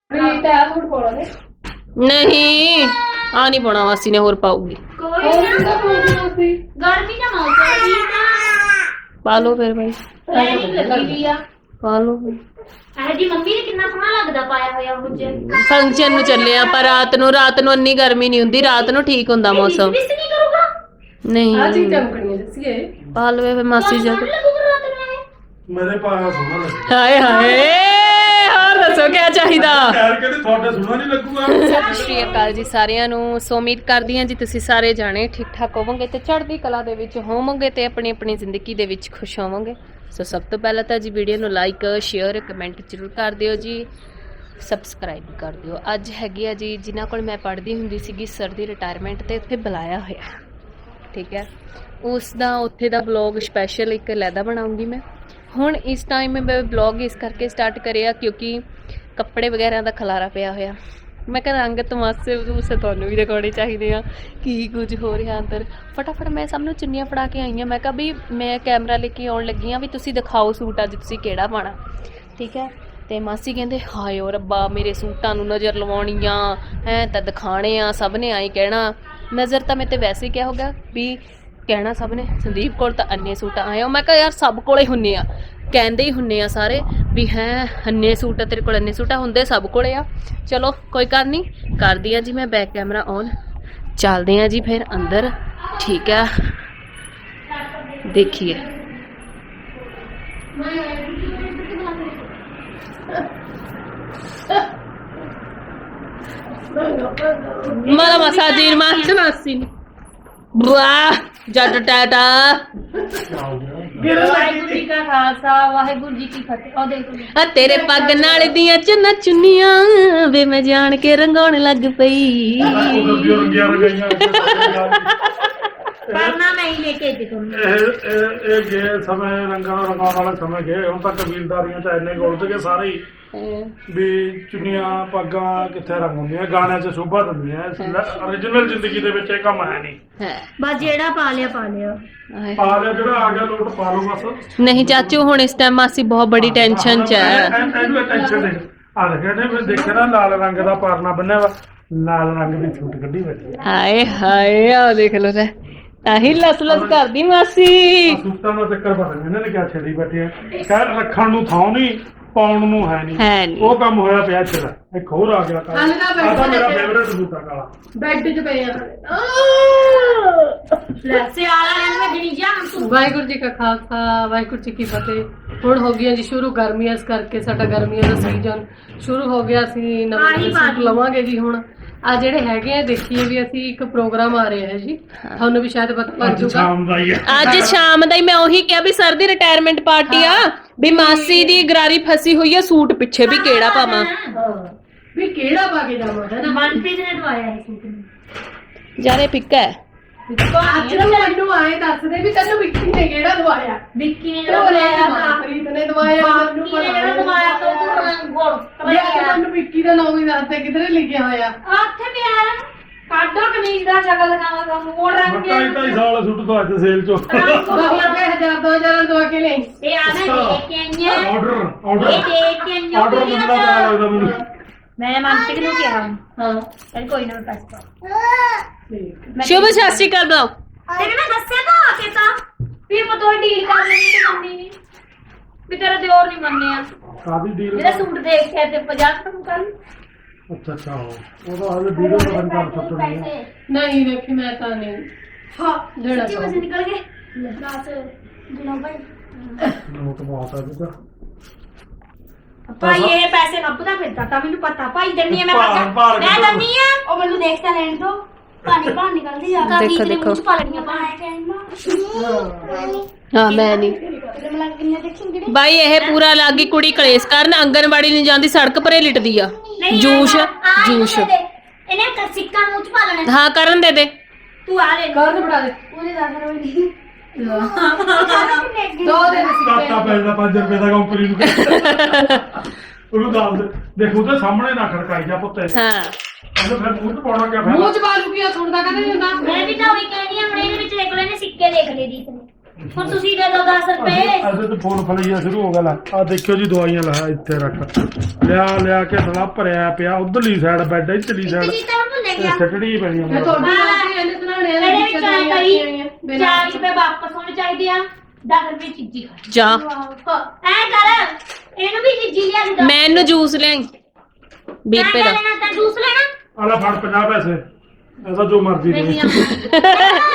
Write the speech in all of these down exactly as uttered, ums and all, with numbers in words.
नहीं आ नहीं पाना मासी ने होर पाऊगी गर्मी का मौसम पा लो फिर भाई पा लो जी मम्मी ने कितना सोहना लगदा पाया होया मुझे फंक्शन नु चले आ पर रात नु रात नु इन्नी गर्मी नहीं हुंदी रात नु ठीक हुंदा मौसम मिस नहीं करूंगा नहीं आ चीज चमकनी दसिए पा लो फिर मासी जी मेरे पाया सोना लगदा हाय हाय और दसो क्या चाहिदा ਯਾਰ ਕਹਿੰਦੇ ਤੁਹਾਡਾ ਸੋਨਾ ਨਹੀਂ ਲੱਗੂਗਾ ਸਤਿ ਸ਼੍ਰੀ ਅਕਾਲ ਜੀ ਸਾਰਿਆਂ ਨੂੰ ਸੋ ਉਮੀਦ ਕਰਦੀ ਹਾਂ ਜੀ ਤੁਸੀਂ ਸਾਰੇ ਜਾਣੇ ਠੀਕ ਠਾਕ ਹੋਵੋਗੇ ਤੇ ਚੜ੍ਹਦੀ ਕਲਾ ਦੇ ਵਿੱਚ ਹੋਵੋਗੇ ਤੇ ਆਪਣੀ ਆਪਣੀ ਜ਼ਿੰਦਗੀ ਦੇ ਵਿੱਚ ਖੁਸ਼ ਹੋਵੋਗੇ ਸੋ ਸਭ ਤੋਂ ਪਹਿਲਾਂ ਤਾਂ ਜੀ ਵੀਡੀਓ ਨੂੰ ਲਾਈਕ ਸ਼ੇਅਰ ਕਮੈਂਟ ਜ਼ਰੂਰ ਕਰ ਦਿਓ ਜੀ ਸਬਸਕ੍ਰਾਈਬ ਕਰ ਦਿਓ ਅੱਜ ਹੈਗੀ ਆ ਜੀ ਜਿਨ੍ਹਾਂ ਕੋਲ ਮੈਂ ਪੜ੍ਹਦੀ ਹੁੰਦੀ ਸੀਗੀ ਸਰ ਦੀ ਰਿਟਾਇਰਮੈਂਟ ਤੇ ਉੱਥੇ ਬੁਲਾਇਆ ਹੋਇਆ ਠੀਕ ਹੈ ਉਸ ਦਾ ਉੱਥੇ ਦਾ ਵਲੌਗ ਸਪੈਸ਼ਲ ਇੱਕ ਲੈਦਾ ਬਣਾਉਂਗੀ ਮੈਂ ਹੁਣ ਇਸ ਟਾਈਮ ਮੈਂ ਵਲੌਗ ਇਸ ਕਰਕੇ ਸਟਾਰਟ ਕਰਿਆ ਕਿਉਂਕਿ ਕੱਪੜੇ ਵਗੈਰਾ ਦਾ ਖਲਾਰਾ ਪਿਆ ਹੋਇਆ ਮੈਂ ਕਿਹਾ ਰੰਗ ਤਮਾਸ਼ੇ ਉਸੇ ਤੁਹਾਨੂੰ ਵੀ ਦਿਖਾਉਣੇ ਚਾਹੀਦੇ ਆ ਕੀ ਕੁਝ ਹੋ ਰਿਹਾ ਅੰਦਰ ਫਟਾਫਟ ਮੈਂ ਸਭ ਨੂੰ ਚੁੰਨੀਆਂ ਫੜਾ ਕੇ ਆਈ ਹਾਂ ਮੈਂ ਕਿਹਾ ਵੀ ਮੈਂ ਕੈਮਰਾ ਲੈ ਕੇ ਆਉਣ ਲੱਗੀ ਹਾਂ ਵੀ ਤੁਸੀਂ ਦਿਖਾਓ ਸੂਟ ਅੱਜ ਤੁਸੀਂ ਕਿਹੜਾ ਪਾਣਾ ਠੀਕ ਹੈ ਤੇ ਮਾਸੀ ਕਹਿੰਦੇ ਹਾਏ ਓ ਰੱਬਾ ਮੇਰੇ ਸੂਟਾਂ ਨੂੰ ਨਜ਼ਰ ਲਵਾਉਣੀਆਂ ਐ ਤਾਂ ਦਿਖਾਣੇ ਆ ਸਭ ਨੇ ਆਈ ਕਹਿਣਾ ਨਜ਼ਰ ਤਾਂ ਮੈਂ ਤੇ ਵੈਸੇ ਹੀ ਕਿਹਾ ਹੋਗਾ ਵੀ ਕਹਿਣਾ ਸਭ ਨੇ ਸੰਦੀਪ ਕੋਲ ਤਾਂ ਅੰਨੇ ਸੂਟ ਆਏ ਹੋ ਮੈਂ ਕਿਹਾ ਯਾਰ ਸਭ ਕੋਲੇ ਹੁੰਨੇ ਆ ਕਹਿੰਦੇ ਹੀ ਹੁੰਨੇ ਆ ਸਾਰੇ ਵੀ ਹੈ ਅੰਨੇ ਸੂਟ ਤੇਰੇ ਕੋਲ ਅੰਨੇ ਸੂਟ ਹੁੰਦੇ ਸਭ ਕੋਲੇ ਆ ਚਲੋ ਕੋਈ ਗੱਲ ਨਹੀਂ ਕਰਦੀ ਆ ਜੀ ਮੈਂ ਬੈਕ ਕੈਮਰਾ ਔਨ ਚੱਲਦੇ ਆ ਜੀ ਫਿਰ ਅੰਦਰ ਠੀਕ ਆ ਦੇਖੀਏ ਮਾਲਾ ਮਸਾਜੀਰ ਮਾਸੀ ਮਾਸੀ ਵਾਹ ਜੱਟ ਟਾਟਾ ਵਾਹਿਗੁਰੂ ਜੀ ਕਾ ਖਾਲਸਾ ਵਾਹਿਗੁਰੂ ਜੀ ਕੀ ਫਤਿਹ ਉਹ ਦੇਖੋ ਆ ਤੇਰੇ ਪੱਗ ਨਾਲ ਦੀਆਂ ਚੁੰਨਾ ਚੁੰਨੀਆਂ ਵੇ ਮੈਂ ਜਾਣ ਕੇ ਰੰਗਾਉਣ ਲੱਗ ਪਈ ਰੰਗੀਆਂ ਰੰਗੀਆਂ ਕਰਨਾ ਮੈਂ ਹੀ ਲੈ ਕੇ ਦੇ ਦੂੰ ਇਹ ਇਹ ਇਹ ਗਏ ਸਮੇਂ ਰੰਗਾਂ ਰੰਗਾਉਣ ਵਾਲੇ ਸਮੇਂ ਗਏ ਹੁਣ ਤਾਂ ਕਬੀਲਦਾਰੀਆਂ ਚ ਇੰਨੇ ਗੋਲਦ ਕੇ ਸਾਰੇ ਹੀ ਵੀ ਚੁੰਨੀਆਂ ਪੱਗਾਂ ਕਿੱਥੇ ਰੰਗ ਹੁੰਦੀਆਂ ਗਾਣਿਆਂ 'ਚ ਸ਼ੋਭਾ ਦਿੰਦੀਆਂ ਓਰੀਜਨਲ ਜ਼ਿੰਦਗੀ ਦੇ ਵਿੱਚ ਇਹ ਕੰਮ ਹੈ ਨਹੀਂ ਹੈ ਬਸ ਜਿਹੜਾ ਪਾ ਲਿਆ ਪਾ ਲਿਆ ਪਾ ਲਿਆ ਜਿਹੜਾ ਆ ਗਿਆ ਲੋਟ ਪਾ ਲਓ ਬਸ ਨਹੀਂ ਚਾਚੂ ਹੁਣ ਇਸ ਟਾਈਮ ਮਾਸੀ ਬਹੁਤ ਬੜੀ ਟੈਨਸ਼ਨ ਚ ਹੈ ਇਹਨੂੰ ਟੈਨਸ਼ਨ ਦੇ ਆ ਦੇਖਿਆ ਨੇ ਫਿਰ ਦੇਖਿਆ ਨਾ ਲਾਲ ਰੰਗ ਦਾ ਪਾਰਨਾ ਬੰਨਿਆ ਵਾ ਲਾਲ ਰੰਗ ਦੀ ਛੂਟ ਕੱਢੀ ਬੈਠੀ ਹਾਏ ਹਾਏ ਆ ਦੇਖ ਲੋ ਤੇ ਆਹੀ ਲਸ ਲਸ ਕਰਦੀ ਮਾਸੀ ਸੂਟਾਂ ਦਾ ਚੱਕਰ ਪਤਾ ਨਹੀਂ ਇਹਨਾਂ ਨੇ ਕਿਆ ਛੇੜੀ ਬੈਠੀ ਹੈ ਕਹਿ ਰੱਖਣ ਨੂੰ ਥਾਂ ਨਹੀਂ ਪਾਉਣ ਨੂੰ ਹੈ ਨਹੀਂ ਹੈ ਨਹੀਂ ਉਹ ਕੰਮ ਹੋਇਆ ਪਿਆ ਇੱਥੇ ਦਾ ਇੱਕ ਹੋਰ ਆ ਗਿਆ ਕਾਲਾ ਆ ਤਾਂ ਮੇਰਾ ਫੇਵਰੇਟ ਸੂਟ ਆ ਕਾਲਾ ਬੈੱਡ 'ਚ ਪਏ ਆ ਲੈ ਸਿਆਲਾ ਰਹਿਣ ਮੈਂ ਗਿਣੀ ਜਾ ਤੂੰ ਵਾਹਿਗੁਰੂ ਜੀ ਕਾ ਖਾਲਸਾ ਵਾਹਿਗੁਰੂ ਜੀ ਕੀ ਫਤਿਹ ਹੁਣ ਹੋ ਗਈਆਂ ਜੀ ਸ਼ੁਰੂ ਗਰਮੀਆਂ ਇਸ ਕਰਕੇ ਸਾਡਾ ਗਰਮੀਆਂ ਦਾ ਸੀਜ਼ਨ ਸ਼ੁਰੂ ਹੋ ਗਿਆ ਅਸੀਂ ਨਵੇਂ ਸੂਟ ਲਵਾਂਗੇ ਜੀ ਹੁਣ ਆ ਜਿਹੜੇ ਹੈਗੇ ਆ ਦੇਖੀਏ ਵੀ ਅਸੀਂ ਇੱਕ ਪ੍ਰੋਗਰਾਮ ਆ ਰਿਹਾ ਹੈ ਜੀ ਤੁਹਾਨੂੰ ਵੀ ਸ਼ਾਇਦ ਪਤਾ ਲੱਗ ਜੂਗਾ ਸ਼ਾਮ ਦਾ ਹੀ ਆ ਅੱਜ ਸ਼ਾਮ ਦਾ ਹੀ ਮੈਂ ਉਹੀ ਕਿਹਾ ਵੀ ਸਰ ਦੀ ਰਿਟਾਇਰਮੈਂਟ ਪਾਰਟੀ ਆ ਵੀ ਮਾਸੀ ਦੀ ਗਰਾਰੀ ਫਸੀ ਹੋਈ ਆ ਸੂਟ ਪਿੱਛੇ ਵੀ ਕਿਹੜਾ ਪਾਵਾਂ ਵੀ ਕਿਹੜਾ ਪਾ ਕੇ ਜਾਵਾਂ ਹੈ ਨਾ ਮਨਪ੍ਰੀਤ ਨੇ ਦਵਾਇਆ ਹੈ ਸੂਟ ਨੂੰ ਜਾਰੇ ਫਿੱਕਾ ਹੈ ਅੱਜ ਨਾ ਮੈਨੂੰ ਆਏ ਦੱਸਦੇ ਵੀ ਤੈਨੂੰ ਵਿੱਕੀ ਨੇ ਕਿਹੜਾ ਦਵਾਇਆ ਵਿੱਕੀ ਨੇ ਦਵਾਇਆ ਮਨਪ੍ਰੀਤ ਨੇ ਦਵਾਇਆ ਮੈਨੂੰ ਵਿੱਕੀ ਨੇ ਜਿਹੜਾ ਦਵਾਇਆ ਤਾਂ ਤੂੰ ਗੋਲ ਮੈਨੂੰ ਵਿੱਕੀ ਦਾ ਨਾਮ ਹੀ ਦੱਸਦੇ ਕਿਧਰੇ ਲਿਖਿਆ ਹੋਇਆ ਉੱਥੇ ਪਿਆ ਹੈ ਕਾਡੋ ਕਮੀਜ਼ ਦਾ ਸ਼ਕਲ ਦਿਖਾਵਾ ਤੁਹਾਨੂੰ ਮੋੜ ਰੰਗ ਕੇ ਢਾਈ ਢਾਈ ਸਾਲ ਸੂਟ ਤੋਂ ਅੱਜ ਸੇਲ ਚੋਂ ਹਜ਼ਾਰ ਦੋ ਹਜ਼ਾਰ ਦਵਾ ਕੇ ਲਈ ਇਹ ਆ ਮੈਂ ਦੇਖ ਕੇ ਆਈ ਹਾਂ ਆਰਡਰ ਇਹ ਆਰਡਰ ਦੇਖ ਕੇ ਆਈ ਹਾਂ ਆਰਡਰ ਦਿੰਦਾ ਪਿਆ ਲੱਗਦਾ ਮੈਨੂੰ ਮੈਂ ਮਨਪ੍ਰੀਤ ਨੂੰ ਕਿਹਾ ਹਾਂ ਚੱਲ ਕੋਈ ਨਾ ਪੈਸੇ ਪਾ ਸ਼ੁਭ ਸਤਿ ਸ਼੍ਰੀ ਅਕਾਲ ਬੁਲਾਓ ਤੇ ਮੈਂ ਦੱਸਿਆ ਤਾਂ ਆ ਕੇ ਤਾਂ ਵੀ ਆਪਾਂ ਦੋ ਡੀਲ ਕਰ ਲੈਣੀ ਤੇ ਮੰਨੀ ਨਹੀਂ ਵੀ ਤੇਰਾ ਦਿਓਰ ਨਹੀਂ ਮੰਨਿਆ ਕਾਦੀ ਡੀਲ ਜਿਹੜਾ ਸੂਟ ਦੇਖਿਆ ਤੇ ਪੰਜਾਹ ਰੁਪਏ ਕਰ ਅੱਛਾ ਅੱਛਾ ਉਹਦਾ ਹਾਲੇ ਵੀਡੀਓ ਦਾ ਬੰਦ ਕਰ ਸੁੱਟਣੀ ਹੈ ਨਹੀਂ ਦੇਖੀ ਮੈਂ ਤਾਂ ਨਹੀਂ ਹਾਂ ਲੈਣਾ ਸੱਚੀ ਵਜੇ ਨਿਕਲ ਗਏ ਦਸ ਦਿਨੋਂ ਭਾਈ ਨੋਟ ਬਹੁਤ ਆ ਜੀ ਭਾਈ ਇਹ ਪੈਸੇ ਲੱਭਦਾ ਫਿਰਦਾ ਤਾਂ ਮੈਨੂੰ ਪਤਾ ਭਾਈ ਦੰਨੀ ਮੈਂ ਭਾਰ- ਭਾਰ ਮੈਂ ਕਿੱਥੋਂ? ਦੰਨੀ ਆ ਉਹ ਮੈਨੂੰ ਦੇਖਦਾ ਲੈਣ ਦੋ ਪਾਣੀ ਪਾਣ ਨਿਕਲਦੀ ਆ ਦੇਖੋ, ਦੇਖੋ। ਮੂੰਹ ਚ ਪਾ ਲੈਣੀਆਂ ਪਾਣੀ ਹਾਂ ਮੈਂ ਨਹੀਂ ਮੈਂ ਕਿੰਨੇ ਦੇਖੂੰਗੀ ਬਾਈ ਇਹ ਪੂਰਾ ਲਾਗੀ ਕੁੜੀ ਕਲੇਸ਼ ਕਰਨ ਆਂਗਨਵਾੜੀ ਨਹੀਂ ਜਾਂਦੀ ਸੜਕ ਪਰੇ ਲਿਟਦੀ ਆ ਜੂਸ਼ ਜੂਸ਼ ਇਹਨੇ ਕ- ਸਿੱਕਾ ਮੂੰਹ ਚ ਪਾ ਲੈਣਾ ਹਾਂ ਕਰਨ ਦੇ ਦੇ ਤੂੰ ਆ ਲੈ ਕਰ ਬੜਾ ਦੇ ਉਹਦੇ ਦਸ ਰੁਪਏ ਦੀ ਦੋ ਦੇ ਦੇ ਕਾਟਾ ਪੈਂਦਾ ਪੰਜ ਰੁਪਏ ਦਾ ਕੰਪਨੀ ਨੂੰ ਉਹਨੂੰ ਦੱਸ ਦੇ ਦੇਖੋ ਉਹਦੇ ਸਾਹਮਣੇ ਨਾ ਖੜਕਾਈ ਜਾ ਪੁੱਤੇ ਹਾਂ ਉਹਨੂੰ ਫਿਰ ਮੂੰਹ ਚ ਪਾਉਣਾ ਕਿਆ ਮੂੰਹ ਫਾਇਦਾ ਚ ਪਾ ਲੂ ਕੀ ਸੁਣਦਾ ਕਦੇ ਨਹੀਂ ਹੁੰਦਾ ਮੈਂ ਵੀ ਤਾਂ ਉਹੀ ਕਹਿੰਦੀ ਆ ਹੁਣ ਇਹਦੇ ਵਿੱਚ ਦੇਖ ਲੈ ਨੇ ਸਿੱਕੇ ਦੇਖ ਲਏ ਦੀ ਇਤਨੇ ਹੁਣ ਤੁਸੀਂ ਦੇ ਦਿਓ ਦਸ ਰੁਪਏ ਅਜੇ ਤਾਂ ਫੋਨ ਫਲਈਆ ਸ਼ੁਰੂ ਹੋ ਗਿਆ ਲੈ ਆ ਦੇਖਿਓ ਜੀ ਦਵਾਈਆਂ ਲਾ ਇੱਥੇ ਰੱਖ ਲਿਆ ਲਿਆ ਕੇ ਸਲਾ ਭਰਿਆ ਪਿਆ ਉਧਰਲੀ ਸਾਈਡ ਬੈੱਡ ਇੱਧਰਲੀ ਸਾਈਡ ਜੀ ਤਾਂ ਭੁੱਲ ਗਿਆ ਸਟੜੀ ਪਈ ਮੈਂ ਤੁਹਾਡੀ ਆਂਟੀ ਇਹਨੇ ਸੁਣਾਣੇ ਇਹਦੇ ਵਿੱਚ ਆਇਆ ਕਰੀ ਚਾਰ ਰੁਪਏ ਵਾਪਸ ਹੋਣੇ ਚਾਹੀਦੇ ਆ ਦਸ ਰੁਪਏ ਚੀਜ਼ੀ ਖਾ ਜਾ ਐ ਕਰ ਇਹਨੂੰ ਵੀ ਚੀਜ਼ੀ ਲਿਆ ਦੇ ਦੋ ਮੈਨੂੰ ਜੂਸ ਲਿਆਈ ਵੀਹ ਰੁਪਏ ਦਾ ਲੈਣਾ ਤਾਂ ਜੂਸ ਲੈਣਾ ਆਲਾ ਫੜ ਪੰਜਾਹ ਪੈਸੇ ਐਸਾ ਜੋ ਮਰਜ਼ੀ ਦੇ ਨਹੀਂ ਆ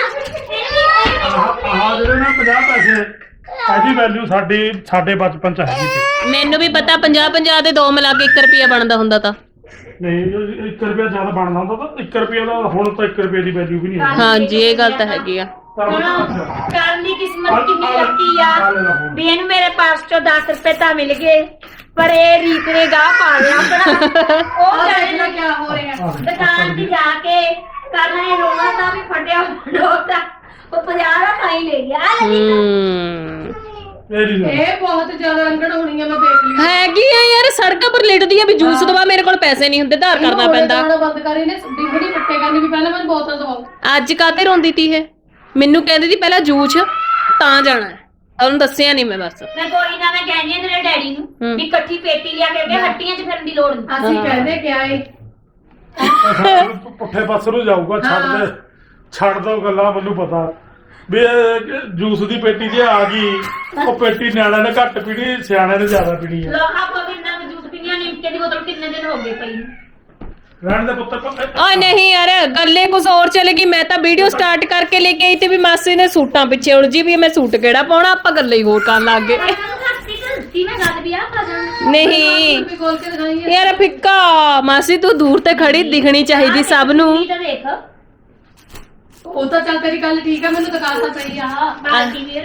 ਆਹ ਆਹ ਜਿਹੜੇ ਨਾ ਪੰਜਾਹ ਪੈਸੇ ਇਹਦੀ ਵੈਲਿਊ ਸਾਡੀ ਸਾਡੇ ਬਚਪਨ ਚ ਹੈਗੀ ਸੀ ਮੈਨੂੰ ਵੀ ਪਤਾ ਪੰਜਾਹ ਪੰਜਾਹ ਦੇ ਦੋ ਮਿਲਾ ਕੇ ਇੱਕ ਰੁਪਿਆ ਬਣਦਾ ਹੁੰਦਾ ਤਾਂ ਨਹੀਂ ਇੱਕ ਰੁਪਿਆ ਜ਼ਿਆਦਾ ਬਣਦਾ ਹੁੰਦਾ ਤਾਂ ਇੱਕ ਰੁਪਿਆ ਦਾ ਹੁਣ ਤਾਂ ਇੱਕ ਰੁਪਏ ਦੀ ਵੈਲਿਊ ਵੀ ਨਹੀਂ ਹੈ ਹਾਂਜੀ ਇਹ ਗੱਲ ਤਾਂ ਹੈਗੀ ਆ ਕਰਨ ਦੀ ਕਿਸਮਤ ਕਿੰਨੀ ਲੱਕੀ ਆ ਵੀ ਇਹਨੂੰ ਮੇਰੇ ਪਾਸ ਚੋਂ ਦਸ ਰੁਪਏ ਤਾਂ ਮਿਲ ਗਏ ਪਰ ਇਹ ਰੀਤ ਨੇ ਗਾਹ ਪਾ ਲਿਆ ਆਪਣਾ ਉਹ ਜਾਣੇ ਨਾ ਕੀ ਹੋ ਰਿਹਾ ਦੁਕਾਨ ਤੇ ਜਾ ਕੇ ਕਰਨਾ ਇਹ ਰੋਣਾ ਤਾਂ ਵੀ ਫਟਿਆ ਡੋਟਾ ਉਹ ਪੰਜਾਹ ਦਾ ਪਾਈ ਲੈ ਗਿਆ ਹੂੰ ਇਹ ਨਹੀਂ ਇਹ ਬਹੁਤ ਜ਼ਿਆਦਾ ਰੰਗੜ ਹੋਣੀ ਆ ਮੈਂ ਦੇਖ ਲਈ ਹੈਗੀ ਆ ਯਾਰ ਸੜਕਾਂ ਪਰ ਲਿਟਦੀ ਆ ਵੀ ਜੂਸ ਦਵਾ ਮੇਰੇ ਕੋਲ ਪੈਸੇ ਨਹੀਂ ਹੁੰਦੇ ਧਾਰ ਕਰਨਾ ਪੈਂਦਾ ਬੰਦ ਕਰੀ ਨੇ ਡਿੰਗੜੀ ਪੱਟੇ ਕਰਨੀ ਵੀ ਪਹਿਲਾਂ ਮੈਨੂੰ ਬੋਤਲ ਦਵਾਓ ਅੱਜ ਕਾਤੇ ਰੋਂਦੀ ਤੀ ਇਹ ਮੈਨੂੰ ਕਹਿੰਦੀ ਸੀ ਪਹਿਲਾਂ ਜੂਸ ਤਾਂ ਜਾਣਾ ਹੈ ਉਹਨੂੰ ਦੱਸਿਆ ਨਹੀਂ ਮੈਂ ਬਸ ਮੈਂ ਕੋਈ ਨਾ ਮੈਂ ਕਹਿੰਦੀ ਆ ਤੇਰੇ ਡੈਡੀ ਨੂੰ ਵੀ ਇਕੱਠੀ ਪੇਟੀ ਲਿਆ ਕੇ ਹੱਟੀਆਂ 'ਚ ਫਿਰਨ ਦੀ ਲੋੜ ਨਹੀਂ ਅਸੀਂ ਕਹਿੰਦੇ ਕਿਆ ਏ ਪੁੱਠੇ ਪਾਸੇ ਨੂੰ ਜਾਊਗਾ ਛੱਡ ਦੇ ਛੱਡ ਦੋ ਗੱਲਾਂ ਮੈਨੂੰ ਪਤਾ ਵੀ ਇਹ ਜੂਸ ਦੀ ਪੇਟੀ ਜੇ ਆ ਗਈ ਉਹ ਪੇਟੀ ਨਿਆਣਿਆਂ ਨੇ ਘੱਟ ਪੀਣੀ ਸਿਆਣਿਆਂ ਨੇ ਜ਼ਿਆਦਾ ਪੀਣੀ ਹੈ ਲੋਹਾ ਕੋ ਕਿੰਨਾ ਜੂਸ ਪੀਣੀਆਂ ਨਿੰਮਕੇ ਦੀ ਬੋਤਲ ਕਿੰਨੇ ਦਿਨ ਹੋ ਗਏ ਪਈ ਰਹਿਣ ਦੇ ਪੁੱਤਰ ਪੁੱਤਰ ਓਏ ਨਹੀਂ ਯਾਰ ਗੱਲੇ ਕੁਝ ਹੋਰ ਚਲੇਗੀ ਮੈਂ ਤਾਂ ਵੀਡੀਓ ਸਟਾਰਟ ਕਰਕੇ ਲੈ ਕੇ ਆਈ ਤੇ ਵੀ ਮਾਸੀ ਨੇ ਸੂਟਾਂ ਪਿੱਛੇ ਉਲਝੀ ਵੀ ਮੈਂ ਸੂਟ ਕਿਹੜਾ ਪਾਉਣਾ ਆਪਾਂ ਗੱਲੇ ਹੀ ਹੋਰ ਕਰਨ ਲੱਗ ਗਏ ਮੈਂ ਗੱਲ ਵੀ ਆ ਪਾ ਜਾਣਾ ਨਹੀਂ ਵੀ ਖੋਲ ਕੇ ਦਿਖਾਈ ਹੈ ਯਾਰ ਫਿੱਕਾ ਮਾਸੀ ਤੂੰ ਦੂਰ ਤੇ ਖੜੀ ਦਿਖਣੀ ਚਾਹੀਦੀ ਸਭ ਨੂੰ ਤਾਂ ਦੇਖ ਉਹ ਤਾਂ ਚੱਲ ਤੇਰੀ ਗੱਲ ਠੀਕ ਆ ਮੈਨੂੰ ਦਿਖਾ ਤਾਂ ਸਹੀ ਆ ਬਾਕੀ ਵੀਰ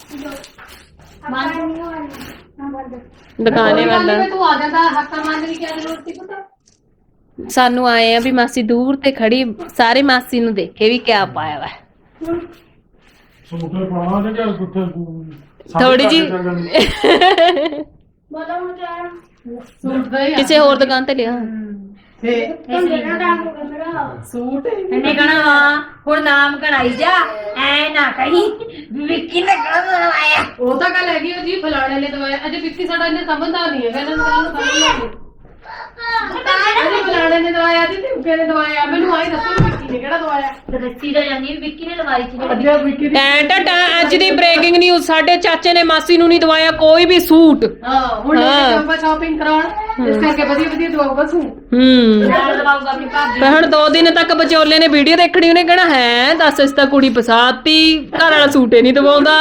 ਦੁਕਾਨੇ ਵਾਲਾ ਤੂੰ ਆ ਜਾਂਦਾ ਹੱਥਾਂ ਮਾਰਨ ਦੀ ਕੀ ਜ਼ਰੂਰਤ ਸੀ ਪਤਾ ਸਾਨੂੰ ਆਏ ਆ ਵੀ ਮਾਸੀ ਦੂਰ ਤੇ ਖੜੀ ਸਾਰੇ ਮਾਸੀ ਨੂੰ ਦੇਖੇ ਵੀ ਕਿਆ ਪਾਇਆ ਵਾ ਸੂਟ ਪਾਉਣਾ ਤੇ ਕਿ ਕੁੱਥੇ ਥੋੜੀ ਜੀ ਬੋਲੋ ਹੁਣ ਕਿਆ ਸੂਟ ਦਾ ਹੀ ਆ। ਕਿਸੇ ਹੋਰ ਦੁਕਾਨ ਤੇ ਲਿਆ ਤੇ ਕਿੰਨਾ ਟਾਈਮ ਹੋ ਗਿਆ ਮੇਰਾ ਸੂਟ ਇਹਨੇ ਕਹਣਾ ਹਾਂ ਹੁਣ ਨਾਮ ਕਢਾਈ ਜਾ ਐ ਨਾ ਕਹੀਂ ਵਿੱਕੀ ਨੇ ਕਹਣਾ ਆਇਆ ਉਹ ਤਾਂ ਗੱਲ ਹੈਗੀ ਉਹ ਜੀ ਫਲਾਣੇ ਨੇ ਦਵਾਇਆ ਅਜੇ ਵਿੱਕੀ ਸਾਡਾ ਇਹਨੇ ਸਮਝਦਾ ਨਹੀਂ ਹੈ ਇਹਨਾਂ ਨੂੰ ਗੱਲ ਨੂੰ ਸਮਝਦਾ ਨਹੀਂ ਅਜੇ ਫਲਾਣੇ ਨੇ ਦਵਾਇਆ ਜੀ ਤੇ ਨੇ ਦਵਾਇਆ ਮੈਨੂੰ ਆਈ ਦੱਸੋ ਵਿੱਕੀ ਨੇ ਕਿਹੜਾ ਦਵਾਇਆ ਦੱਸੀ ਤਾਂ ਜਾਂਦੀ ਵਿੱਕੀ ਨੇ ਲਵਾਈ ਸੀ ਜਿਹੜੀ ਅੱਜਾ ਵਿੱਕੀ ਦੀ ਟੈਂ ਟੈਂ ਟੈਂ ਅੱਜ ਦੀ ਬ੍ਰੇਕਿੰਗ ਨਿਊਜ਼ ਸਾਡੇ ਚਾਚੇ ਨੇ ਮਾਸੀ ਨੂੰ ਨਹੀਂ ਦਵਾਇਆ ਕੋਈ ਵੀ ਸੂਟ ਹਾਂ ਹੁਣ ਹਾਂ। ਆਪਾਂ ਸ਼ਾਪਿੰਗ ਕਰਾਉਣ ਇਸ ਕਰਕੇ ਵਧੀਆ ਵਧੀਆ ਦਵਾਊਗਾ ਸੂਟ ਹੂੰ ਨਾਲ ਲਵਾਊਗਾ ਆਪਣੀ ਭਾਬੀ ਪਰ ਹੁਣ ਦੋ ਦਿਨ ਤੱਕ ਵਿਚੋਲੇ ਨੇ ਵੀਡੀਓ ਦੇਖਣੀ ਉਹਨੇ ਕਹਿਣਾ ਹੈ ਦੱਸ ਇਸ ਤਾਂ ਕੁੜੀ ਫਸਾਤੀ ਘਰ ਵਾਲਾ ਸੂਟ ਹੀ ਨਹੀਂ ਦਵਾਉਂਦਾ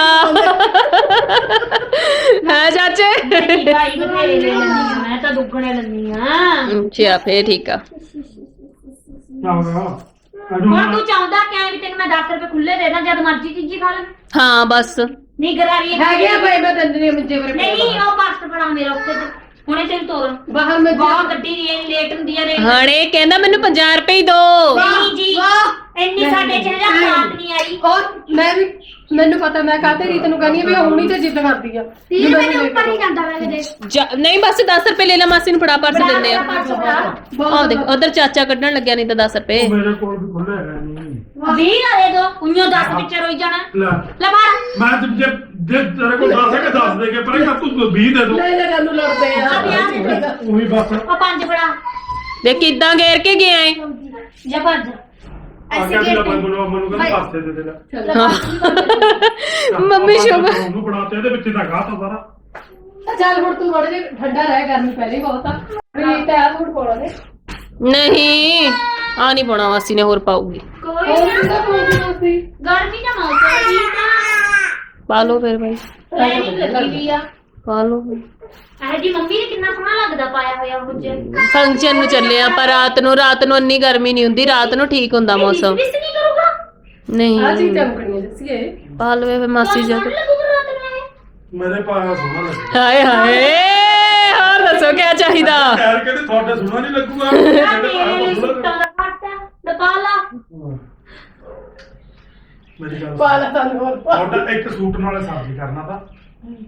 ਹੈ ਚਾਚੇ ਭਾਈ ਬਥੇਰੇ ਲੈ ਲੈਂਦੀ ਆ ਮੈਂ ਤਾਂ ਦੁੱਗਣੇ ਲੈਂਦੀ ਆ ਅੱਛਾ ਫੇਰ ਠੀਕ ਆ ਚਾਹੁੰਦਾ ਹੁਣ ਤੂੰ ਚਾਹੁੰਦਾ ਕਿਵੇਂ ਵੀ ਤੈਨੂੰ ਮੈਂ ਦਸ ਰੁਪਏ ਖੁੱਲੇ ਦੇ ਦਾਂ ਜਦ ਮਰਜ਼ੀ ਚੀਜ਼ੀ ਖਾ ਲੈ ਹਾਂ ਬਸ ਨਹੀਂ ਗਰਾਰੀ ਹੈਗੇ ਆ ਭਾਈ ਮੈਂ ਦੰਦਰੀ ਮੰਜੇ ਵਰੇ ਨਹੀਂ ਉਹ ਪਾਸਟ ਬਣਾ ਮੇਰਾ ਉੱਤੇ ਤੇ ਹੁਣੇ ਤੈਨੂੰ ਤੋਰ ਬਾਹਰ ਮੈਂ ਬਹੁਤ ਗੱਡੀ ਦੀ ਇਹ ਲੇਟ ਹੁੰਦੀ ਆ ਰੇ ਹਣੇ ਕਹਿੰਦਾ ਮੈਨੂੰ ਪੰਜਾਹ ਰੁਪਏ ਹੀ ਦੋ ਨਹੀਂ ਜੀ ਇੰਨੀ ਸਾਡੇ ਚ ਹਜ਼ਾਰ ਬਾਤ ਨਹੀਂ ਆਈ ਔਰ ਮੈਂ ਵੀ ਮੈਨੂੰ ਪਤਾ ਮੈਂ ਕਾਹਤੇ ਰੀਤ ਨੂੰ ਕਹਿੰਦੀ ਆ ਵੀ ਉਹ ਹੁਣੀ ਤੇ ਜਿੱਦ ਕਰਦੀ ਆ ਤੀਹ ਰੁਪਏ ਦੇ ਉੱਪਰ ਨਹੀਂ ਜਾਂਦਾ ਮੈਂ ਕਦੇ ਜਾ- ਨਹੀਂ ਬਸ ਦਸ ਰੁਪਏ ਲੈ ਲੈ ਮਾਸੀ ਨੂੰ ਫੜਾ ਪਰਸ ਦਿੰਦੇ ਆ ਬਹੁਤ ਆਹ ਦੇਖ ਉਧਰ ਚਾਚਾ ਕੱਢਣ ਲੱਗਿਆ ਨਹੀਂ ਤਾਂ ਦਸ ਰੁਪਏ ਮੇਰੇ ਕੋਲ ਵੀ ਖੁੱਲੇ ਹੈ ਨਹੀਂ ਵੀਹ ਨਾ ਦੇ ਦੋ ਉਈਓ ਦਸ ਵਿੱਚ ਰੋਈ ਜਾਣਾ ਲੈ ਲੈ ਮਾਰ ਮੈਂ ਤੇ ਜੇ ਜੇ ਤੇਰੇ ਕੋਲ ਦਸ ਹੈ ਕਿ ਦਸ ਦੇ ਕੇ ਪਰ ਤੂੰ ਵੀਹ ਦੇ ਦੋ ਲੈ ਲੈ ਸਾਨੂੰ ਲੜਦੇ ਆ ਆ ਵਿਆਹ ਦੇ ਦੇ ਉਹੀ ਬਸ ਉਹ ਪੰਜ ਬੜਾ ਦੇਖ ਕਿੱਦਾਂ ਘੇਰ ਕੇ ਗਿਆ ਏ ਜਾਂ ਪੰਜ ਆ ਗਿਆ ਸੀ ਲੱਭਣ ਨੂੰ ਮੈਨੂੰ ਕਹਿੰਦਾ ਪਾਸੇ ਦੇ ਦੇ ਲੈ ਮੰਮੀ ਸ਼ੁਭ ਉਹਨੂੰ ਬਣਾਤੇ ਇਹਦੇ ਵਿੱਚ ਤਾਂ ਗਾਹ ਤਾਂ ਸਾਰਾ ਚੱਲ ਹੁਣ ਤੂੰ ਥੋੜੇ ਜਿਹਾ ਠੰਡਾ ਰਹਿ ਗਰਮੀ ਪਹਿਲੇ ਹੀ ਬਹੁਤ ਆ ਵੀ ਤੇ ਆ ਸੂਟ ਪਾਉਣਾ ਨੇ ਨਹੀਂ ਆ ਨਹੀਂ ਪਾਉਣਾ ਮਾਸੀ ਨੇ ਹੋਰ ਪਾਉਗੀ ਕੋਈ ਹੋਰ ਨਾ ਕਿਹਦਾ ਪਾਉਣਾ ਸੀ ਗਰਮੀ ਦਾ ਮੌਸਮ ਹੀ ਤਾਂ ਪਾ ਲਓ ਫਿਰ ਭਾਈ ਲਾਈਨਿੰਗ ਲੱਗੀ ਵੀ ਆ ਪਾ ਲਓ ਇਹ ਜੀ ਮੰਮੀ ਨੇ ਕਿੰਨਾ ਸੋਹਣਾ ਲੱਗਦਾ ਪਾਇਆ ਹੋਇਆ ਉਹ ਜੇ ਫੰਕਸ਼ਨ ਨੂੰ ਚੱਲੇ ਆਪਾਂ ਰਾਤ ਨੂੰ ਰਾਤ ਨੂੰ ਇੰਨੀ ਗਰਮੀ ਨਹੀਂ ਹੁੰਦੀ ਰਾਤ ਨੂੰ ਠੀਕ ਹੁੰਦਾ ਮੌਸਮ ਮਿਸ ਨਹੀਂ ਕਰੂਗਾ ਆ ਨਹੀਂ ਚੀਜ਼ ਚਮਕਣੀਆਂ ਦੱਸੀਏ ਪਾ ਲਵੇ ਫਿਰ ਮਾਸੀ ਜਾ ਸੋਹਣਾ ਲੱਗੂਗਾ ਰਾਤ ਨੂੰ ਇਹ ਮੇਰੇ ਪਾਇਆ ਸੋਹਣਾ ਲੱਗਦਾ ਹਾਏ ਹਾਏ ਹੋਰ ਦੱਸੋ ਕੀ ਚਾਹੀਦਾ ਯਾਰ ਕਹਿੰਦੇ ਤੁਹਾਡੇ ਸੋਹਣਾ ਨਹੀਂ ਲੱਗੂਗਾ ਆ ਮੇਰੇ ਮੇਰੇ ਪਾਇਆ ਲਈ ਸੋਹਣਾ ਸੁੱਟਾਂ ਦਾ ਫਾਟਾ ਦਪਾਲਾ ਮੇਰੀ ਗੱਲ ਪਾਲਾ ਸਾਨੂੰ ਹੋਰ ਪਾ ਤੁਹਾਡਾ ਇੱਕ ਸੂਟ ਨਾਲੇ ਸਾਜੀ ਕਰਨਾ ਤਾਂ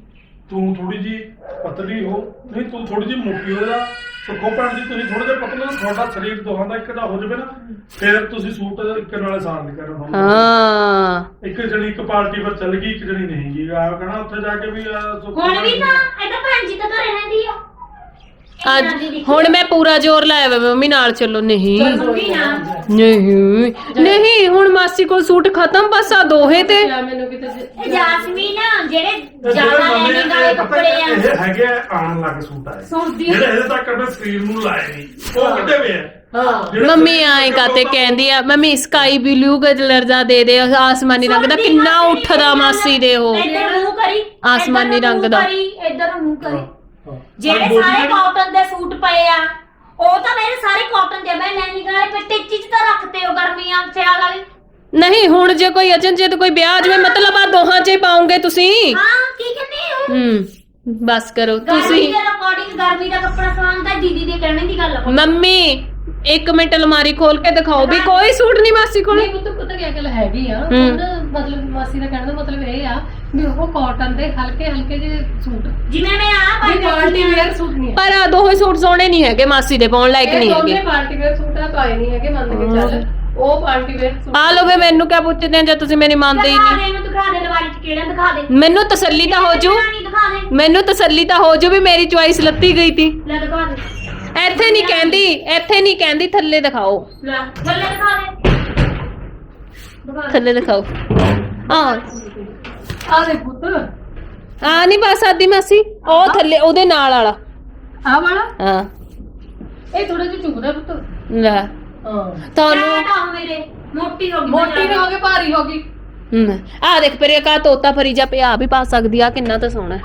ਤੂੰ ਥੋੜੀ ਜੀ ਪਤਲੀ ਹੋ, ਨਹੀਂ ਤੂੰ ਥੋੜੀ ਜੀ ਮੋਟੀ ਹੋ ਜਾ, ਸੁੱਖੋ ਭੈਣ ਜੀ ਤੁਸੀਂ ਥੋੜੇ ਜਿਹਾ ਪਤਲੇ ਹੋ, ਤੁਹਾਡਾ ਸਰੀਰ ਦੋਹਾਂ ਦਾ ਇੱਕ ਦਾ ਹੋ ਜਾਵੇ ਨਾ, ਫਿਰ ਤੁਸੀਂ ਸੂਟ ਇੱਕ ਨਾਲੇ ਸਾਰ ਨਹੀਂ ਕਰਨਾ। ਹਾਂ ਇੱਕ ਜਣੀ ਇੱਕ ਪਾਰਟੀ ਪਰ ਚੱਲ ਗਈ, ਇੱਕ ਜਣੀ ਨਹੀਂ ਗਈ, ਆ ਕਹਣਾ ਉੱਥੇ ਜਾ ਕੇ ਵੀ ਆਹ ਸੁੱਖੋ ਹੁਣ ਭੈਣ ਵੀ ਜੀ- ਤਾਂ ਇਹਦਾ ਭੈਣ ਜੀ ਤਾਂ ਘਰੇ ਰਹਿੰਦੀ ਆ ਅੱਜ ਹੁਣ ਮੈਂ ਪੂਰਾ ਜ਼ੋਰ ਲਾਇਆ ਵਾ ਮੰਮੀ ਨਾਲ ਚੱਲੋ। ਨਹੀਂ ਮੰਮੀ ਨਾ ਨਹੀਂ ਨਹੀਂ ਹੁਣ ਮਾਸੀ ਕੋਲ ਸੂਟ ਖਤਮ, ਬਸ ਆ ਦੋਹੇ ਤੇ ਜਾਂ ਮੈਨੂੰ ਕਿਤੇ ਇਹ ਜਾਸਮੀਨ ਜਿਹੜੇ ਇਹ ਜ਼ਿਆਦਾ ਜਿਹੜੇ ਨਵੇਂ ਲੈਣੇ ਵਾਲੇ ਇਹ ਪਤਾ ਕੱਪੜੇ ਆ ਇਹ ਹੈਗੇ ਆ ਆਉਣ ਲੱਗ ਸੂਟ ਆਏ, ਸੁਣਦੀ ਜਿਹੜੇ ਇਹਦੇ ਤੱਕ ਆਪਣੇ ਸਰੀਰ ਨੂੰ ਲਾਏ ਨਹੀਂ, ਉਹ ਕਿੱਥੇ ਵੇ ਆ ਹਾਂ ਜਿਹੜੇ ਮੰਮੀ ਸਰੀਰ ਆਏ ਤੱਕ ਕਾਤੇ ਉਹ- ਕਹਿੰਦੀ ਆ ਮੰਮੀ ਸਕਾਈ ਬਲੂ ਕਲਰ ਦਾ ਦੇ ਦੇ, ਆਸਮਾਨੀ ਰੰਗ ਦਾ ਕਿੰਨਾ ਉੱਠਦਾ ਮਾਸੀ ਦੇ ਉਹ ਇੱਧਰ ਮੂੰਹ ਕਰੀ ਆਸਮਾਨੀ ਇੱਧਰ ਨੂੰ ਰੰਗ ਦਾ। ਮੂੰਹ ਕਰੀ, ਇੱਧਰ ਨੂੰ ਮੂੰਹ ਕਰੀ। ਹਾਂ। ਜਿਹੜੇ ਬੋਡੀ ਸਾਰੇ ਜਿਹੜੀ- ਕਾਟਨ ਦੇ ਸੂਟ ਪਏ ਆ ਉਹ ਤਾਂ ਮੇਰੇ ਸਾਰੇ ਕਾਟਨ ਦੇ, ਮੈਂ ਲੈਣੀ ਗਾਲੇ ਪਿੱਟੇ ਚੀਜ਼ ਤਾਂ ਰੱਖਤੇ ਹੋ ਗਰਮੀਆਂ ਸਿਆਲ ਵਾਲੀ। ਨਹੀਂ ਹੁਣ ਜੇ ਕੋਈ ਅਚਨ ਜੇ ਕੋਈ ਵਿਆਹ ਜਵੇ ਮਤਲਬ ਆ ਦੋਹਾਂ ਚ ਹੀ ਪਾਉਂਗੇ ਤੁਸੀਂ। ਹਾਂ ਕੀ ਕਹਿੰਦੇ ਹੋ ਹੂੰ ਬਸ ਕਰੋ ਗਰਮੀ ਤੁਸੀਂ। ਦੇ ਅਕੋਰਡਿੰਗ ਗਰਮੀ ਦਾ ਕੱਪੜਾ ਸਵਾਉਂਦਾ ਦੀਦੀ ਦੇ ਕਹਿਣੇ ਦੀ ਗੱਲ ਆ। ਮੰਮੀ ਇੱਕ ਮਿੰਟ ਅਲਮਾਰੀ ਖੋਲ ਕੇ ਦਿਖਾਓ ਵੀ ਕੋਈ ਸੂਟ ਨਹੀਂ ਮਾਸੀ ਕੋਲ। ਨਹੀਂ ਪੁੱਤ ਪਤਾ ਕੀ ਗੱਲ ਹੈਗੀ ਆ, ਹੂੰ। ਹੁਣ ਮਤਲਬ ਮਾਸੀ ਦਾ ਕਹਿਣ ਦਾ ਮਤਲਬ ਇਹ ਆ ਵੀ ਉਹ ਕਾਟਨ ਦੇ ਹਲਕੇ ਹਲਕੇ ਜਿਹੇ ਸੂਟ, ਜਿਵੇਂ ਮੈਂ ਆ ਵੀ ਪਾਰਟੀ ਵੇਅਰ ਸੂਟ ਨਹੀਂ ਹੈ। ਪਰ ਆ ਦੋਹੇ ਸੂਟ ਸੋਹਣੇ ਨਹੀਂ ਹੈਗੇ ਮਾਸੀ ਦੇ ਪਾਉਣ ਲਾਇਕ ਨਹੀਂ ਇਹ ਦੋਨੇ ਹੈਗੇ। ਪਾਰਟੀ ਵੇਅਰ ਸੂਟ ਆ, ਪਾਏ ਨਹੀਂ ਹੈਗੇ, ਮੰਨ ਕੇ ਚੱਲ ਉਹ ਪਾਰਟੀ ਵੇਅਰ ਸੂਟ ਆ ਲੋ ਵੇ ਮੈਨੂੰ ਕਿਆ ਪੁੱਛਦੇ ਆ ਜੇ ਤੁਸੀਂ ਮੇਰੀ ਮੰਨਦੇ ਹੀ ਦਿਖਾ ਨਹੀਂ। ਦੇ ਇਹਨੂੰ, ਦਿਖਾ ਦੇ ਲਵਾਰੀ ਚ ਕਿਹੜਾ ਦਿਖਾ ਦੇ। ਮੈਨੂੰ ਤਸੱਲੀ ਤਾਂ ਹੋ ਜੂ, ਨਹੀਂ ਦਿਖਾ ਦੇ, ਮੈਨੂੰ ਤਸੱਲੀ ਤਾਂ ਹੋ ਜੂ ਵੀ ਮੇਰੀ ਚੁਆਇਸ ਲੱਤੀ ਗਈ ਤੀ। ਲੈ ਦਿਖਾ ਦੇ, ਇੱਥੇ ਨਹੀਂ ਕਹਿੰਦੀ, ਇੱਥੇ ਨਹੀਂ ਕਹਿੰਦੀ, ਥੱਲੇ ਦਿਖਾਓ, ਲੈ ਥੱਲੇ ਦਿਖਾ ਦੇ, ਦਿਖਾ ਦੇ। ਥੱਲੇ ਦਿਖਾਓ। ਆ ਆ ਦੇ ਪੁੱਤ ਆ ਨਹੀਂ ਬਸ ਆਦੀ ਮਾਸੀ, ਉਹ ਥੱਲੇ ਉਹਦੇ ਨਾਲ ਵਾਲਾ। ਆ ਵਾਲਾ ਹਾਂ ਇਹ ਥੋੜਾ ਜਿਹਾ ਚੁਗਦਾ ਪੁੱਤ। ਲੈ ਹਾਂ ਤੁਹਾਨੂੰ ਫੈਟ ਆ ਮੇਰੇ, ਮੋਟੀ ਹੋ ਗਈ ਮੋਟੀ ਵੀ ਹੋ ਗਈ, ਭਾਰੀ ਹੋ ਗਈ। ਹਮ, ਆ ਦੇਖ ਪਰੇ ਕਾ ਤੋਤਾ ਫਰੀ ਜਾ ਪਿਆ ਵੀ ਪਾ ਸਕਦੀ ਆ, ਕਿੰਨਾ ਤਾਂ ਸੋਹਣਾ।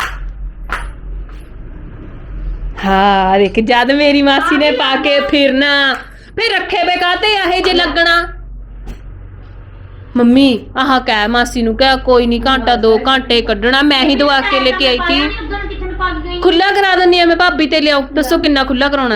ਹਾਂ ਦੇਖ ਜਦ ਮੇਰੀ ਮਾਸੀ ਨੇ ਪਾ ਕੇ ਫਿਰਨਾ ਫਿਰ ਰੱਖੇ ਵੇ ਕਾਤੇ ਆਹੇ ਜੇ ਲੱਗਣਾ। ਮੰਮੀ ਆਹ ਕਹਿ ਮਾਸੀ ਨੂੰ ਕਹਿ ਕੋਈ ਨਹੀਂ ਘੰਟਾ ਦੋ ਘੰਟੇ ਕੱਢਣਾ, ਮੈਂ ਹੀ ਦਵਾ ਕੇ ਲੈ ਕੇ ਆਈ ਸੀ। ਉਧਰ ਕਿੱਥੇ ਨੂੰ ਪੱਗ ਗਈ। ਖੁੱਲਾ ਕਰਾ ਦਿੰਨੀ ਆ ਮੈਂ ਭਾਬੀ ਤੇ ਲਿਆਓ, ਦੱਸੋ ਕਿੰਨਾ ਖੁੱਲਾ ਕਰਾਉਣਾ।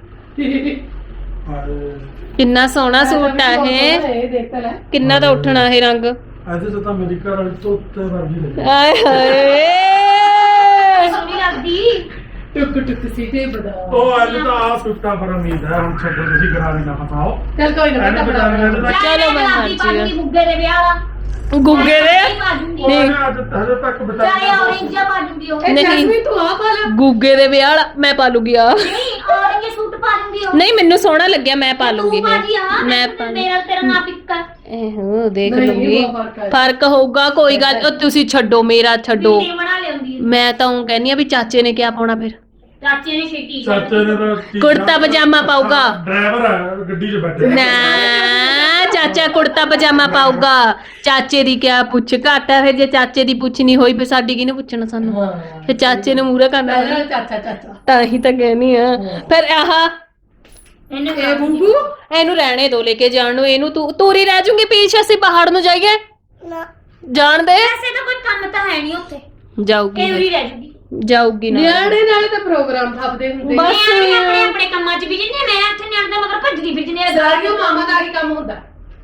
ਹਾਏ, ਕਿੰਨਾ ਸੋਹਣਾ ਸੂਟ ਆ ਇਹ, ਇਹ ਦੇਖ ਤਾਂ ਲੈ। ਕਿੰਨਾ ਤਾਂ ਉੱਠਣਾ ਇਹ ਰੰਗ। ਇਹਦੇ ਚ ਤਾਂ ਮੇਰੀ ਘਰ ਵਾਲੀ ਤੋਂ ਉੱਤੇ ਵਰਗੀ ਲੱਗੀ। ਆਏ ਹਾਏ ਸੋਹਣੀ ਲੱਗਦੀ। ਟੁਕ ਟੁਕ ਸੀ ਤੇ ਬਦਾ। ਉਹ ਅੱਜ ਤਾਂ ਆ ਸੁੱਤਾ ਪਰ ਉਮੀਦ ਹੈ, ਹੁਣ ਛੱਡੋ ਤੁਸੀਂ ਕਰਾ ਵੀ ਨਾ ਪਤਾਓ। ਚੱਲ ਕੋਈ ਨਾ ਇਹਨੇ ਪੁੱਤ ਬਚਾ ਬਣਾ ਲਿਆ ਤੇ ਚਲੋ ਮੈਂ ਮਰਜੀ ਮਰਜੀ ਆ। ਗੁੱਗੇ ਦੇ ਵਿਆਹ ਵਾਲਾ ਗੁੱਗੇ ਦੇ ਉਹਨੇ ਅੱਜ ਹਜੇ ਤੱਕ ਬਚਾ ਚਾਹੇ ਲਿਆ। orange ਜਿਹਾ ਪਾ ਦੂੰਗੀ ਉਹ। ਇਹ ਨਹੀਂ। ਜੈਸਮੀਨ ਤੂੰ ਆ ਪਾ ਲੈ। ਗੁੱਗੇ ਦੇ ਵਿਆਹ ਵਾਲਾ ਮੈਂ ਪਾ ਲੂਗੀ ਆ। ਨਹੀਂ orange ਸੂਟ ਪਾ ਦੂੰਗੀ ਉਹ। ਨਹੀਂ ਮੈਨੂੰ ਸੋਹਣਾ ਲੱਗਿਆ, ਮੈਂ ਪਾ ਲੂੰਗੀ ਤੂੰ ਬਾਜੀ ਆ, ਮੈਂ ਮੈਂ ਪਾ ਮੇਰਾ ਤੇਰਾ ਨਾਂ ਪਿੱਕਾ। ਇਹੋ ਦੇਖ ਨਹੀਂ, ਲੂੰਗੀ, ਬਹੁਤ ਫਰਕ ਹੈ। ਫਰਕ ਹੋਊਗਾ ਕੋਈ ਗੱਲ। ਉਹ ਤੁਸੀਂ ਛੱਡੋ ਮੇਰਾ ਛੱਡੋ, ਵੀਡੀਓ ਬਣਾ ਲਿਆਉਂਦੀ ਹੈ। ਮੈਂ ਤਾਂ ਉਹ ਕਹਿੰਦੀ ਆ ਵੀ ਚਾਚੇ ਨੇ ਕਿਆ ਪਾਉਣਾ ਫਿਰ। ਚਾਚੇ ਨੇ ਛੇਤੀ ਚਾਚੇ ਨੇ ਤਾਂ ਟੀ- ਕੁੜਤਾ ਪਜਾਮਾ ਪਾਊਗਾ। ਡਰਾਈਵਰ ਹੈ ਗੱਡੀ 'ਚ ਬੈਠੇ। ਨਾ ਚਾਚਾ ਕੁੜਤਾ ਪਜਾਮਾ ਪਾਊਗਾ, ਚਾਚੇ ਦੀ ਕਿਆ ਪੁੱਛ ਘੱਟ ਆ। ਫਿਰ ਜੇ ਚਾਚੇ ਦੀ ਪੁੱਛ ਨਹੀਂ ਹੋਈ ਫਿਰ ਸਾਡੀ ਕਿਹਨੇ ਪੁੱਛਣਾ ਸਾਨੂੰ, ਹਾਂ ਫਿਰ ਚਾਚੇ ਨੂੰ ਮੂਹਰੇ ਕਰਨਾ ਪਹਿਲਾਂ ਚਾਚਾ ਚਾਚਾ ਤਾਂ ਹੀ ਤਾਂ ਕਹਿਨੀ ਆ। ਫਿਰ ਆਹ ਇਹਨੇ ਇਹ ਬੂਬੂ ਇਹਨੂੰ ਰਹਿਣੇ ਦੋ ਲੈ ਕੇ ਜਾਣ ਨੂੰ, ਇਹਨੂੰ ਤੂੰ ਤੂਰੀ ਰਹਿ ਜੂਗੀ ਪਿੱਛੇ, ਅਸੀਂ ਪਹਾੜ ਨੂੰ ਜਾਈਏ ਜਾਣ ਦੇ। ਵੈਸੇ ਤਾਂ ਕੋਈ ਕੰਮ ਤਾਂ ਹੈ ਨਹੀਂ ਉੱਥੇ, ਇਹ ਜਾਊਗੀ ਉਰੀ ਰਹਿ ਜੂਗੀ। ਜਾਊਗੀ ਨਾ ਨਿਆਣੇ ਨਾਲੇ ਤਾਂ ਪ੍ਰੋਗਰਾਮ ਥੱਪਦੇ ਹੁੰਦੇ ਬਸ। ਮੈਂ ਵੀ ਆਪਣੇ ਆਪਣੇ ਕੰਮਾਂ 'ਚ ਬਿਜੀ ਨੇ, ਮੈਂ ਇੱਥੇ ਨਿਆਣੇ ਦੇ ਮਗਰ ਭੱਜਦੀ ਫਿਰਦੀ ਨੇ। ਸਾਰੀਆਂ ਮਾਮਾ ਦਾ ਹੀ ਕੰਮ ਹੁੰਦਾ।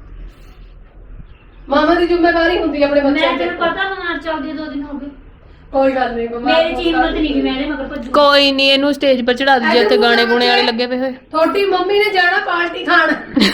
ਮਾਮਾ ਦੀ ਜ਼ਿੰਮੇਵਾਰੀ ਹੁੰਦੀ ਹੈ ਆਪਣੇ ਬੱਚਿਆਂ ਮੈਂ ਤੇ। ਤੈਨੂੰ ਪਤਾ ਬਿਮਾਰ ਚੱਲਦੀ ਦੋ ਦਿਨ ਹੋ ਗਏ। ਕੋਈ ਗੱਲ ਨਹੀਂ ਬਿਮਾਰ ਮੇਰੀ ਚ ਹਿੰਮਤ ਨਹੀਂ ਕਿ ਮੈਂ ਇਹਦੇ ਮਗਰ ਭੱਜੂ। ਕੋਈ ਨਹੀਂ, ਇਹਨੂੰ ਸਟੇਜ 'ਪਰ ਚੜਾ ਦਈਏ, ਉੱਥੇ ਗਾਣੇ ਗੁਣੇ ਵਾਲੇ ਲੱਗੇ ਪਏ ਹੋਏ। ਤੁਹਾਡੀ ਮੰਮੀ ਨੇ ਜਾਣਾ ਪਾਰਟੀ ਖਾਣ।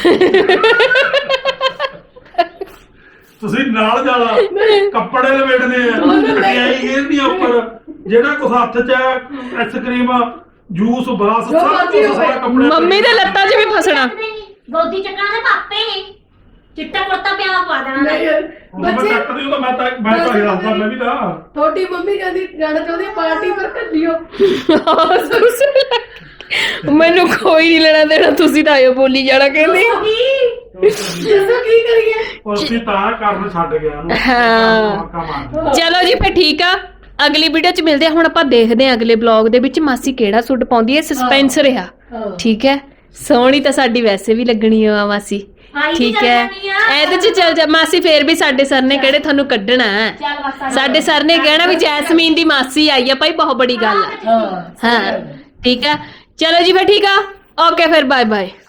ਤੁਸੀਂ ਨਾਲ ਜਾਣਾ, ਕੱਪੜੇ ਲਵੇਟਦੇ ਆ, ਮਠਿਆਈ ਗੇਰਦੀ ਆ ਉੱਪਰ, ਜਿਹੜਾ ਕੁਛ ਹੱਥ 'ਚ ਆਈਸਕ੍ਰੀਮ ਜੂਸ ਬਸ ਜੋ ਸਭ ਮਰਜ਼ੀ ਕੁਛ ਹੋਵੇ। ਸਾਰਾ ਕੱਪੜੇ ਮੰਮੀ ਦੇ ਲੱਤਾਂ 'ਚ ਵੀ ਫਸਣਾ। ਗੋਦੀ ਚੱਕਣਾ ਦੇ ਪਾਪੇ ਨੇ, ਚਿੱਟਾ ਕੁੜਤਾ ਪਿਆਵਾ ਪਾ ਦੇਣਾ। ਨਹੀਂ, ਮੈਂ ਬੱਚੇ ਕੱਟਦੀ ਉਹ ਤਾਂ ਮੈਂ ਤਾਂ ਮੈਂ ਤਾਂ ਹਿਲਾਉਂਦਾ ਮੈਂ ਵੀ ਤਾਂ। ਤੁਹਾਡੀ ਮੰਮੀ ਕਹਿੰਦੀ ਜਾਣਾ ਚਾਹੁੰਦੀ ਪਾਰਟੀ ਪਰ ਕੱਢਿਓ। ਮੈਨੂੰ ਕੋਈ ਨਹੀਂ ਲੈਣਾ ਦੇਣਾ, ਤੁਸੀਂ ਤਾਂ ਆਇਓ ਬੋਲੀ ਜਾਣਾ ਕਹਿੰਦੀ। ਦੱਸੋ ਕੀ ਕਰੀਏ। ਉਹ ਅਸੀਂ ਤਾਂ ਕਰਨ ਛੱਡ ਗਿਆ ਉਹਨੂੰ। ਹਾਂ। ਮੌਕਾ ਮਾਰ। ਚਲੋ ਜੀ ਫਿਰ ਠੀਕ ਆ, ਅਗਲੀ ਵੀਡੀਓ 'ਚ ਮਿਲਦੇ ਆ। ਹੁਣ ਆਪਾਂ ਦੇਖਦੇ ਆ ਅਗਲੇ ਬਲੌਗ ਦੇ ਵਿੱਚ ਮਾਸੀ ਕਿਹੜਾ ਸੂਟ ਪਾਉਂਦੀ ਹੈ, ਸਸਪੈਂਸ ਰਿਹਾ। ਹਾਂ। ਠੀਕ ਹੈ, ਸੋਹਣੀ ਤਾਂ ਸਾਡੀ ਵੈਸੇ ਵੀ ਲੱਗਣੀ ਆ ਮਾਸੀ। ਠੀਕ ਹੈ, ਇਹਦੇ 'ਚ ਚੱਲ ਜਾ ਮਾਸੀ। ਫੇਰ ਵੀ ਸਾਡੇ ਸਰ ਨੇ ਕਿਹੜੇ ਤੁਹਾਨੂੰ ਕੱਢਣਾ ਹੈ। ਚੱਲ ਬਸ ਸਾਡੇ ਸਰ ਨੇ ਕਹਿਣਾ ਵੀ ਜੈਸਮੀਨ ਦੀ ਮਾਸੀ ਆਈ ਆ ਭਾਈ, ਬਹੁਤ ਬੜੀ ਗੱਲ ਹੈ। ਹਾਂ ਹਾਂ ਠੀਕ ਹੈ, ਚਲੋ ਜੀ ਫਿਰ ਠੀਕ ਆ, ਓਕੇ ਫਿਰ ਬਾਏ ਬਾਏ।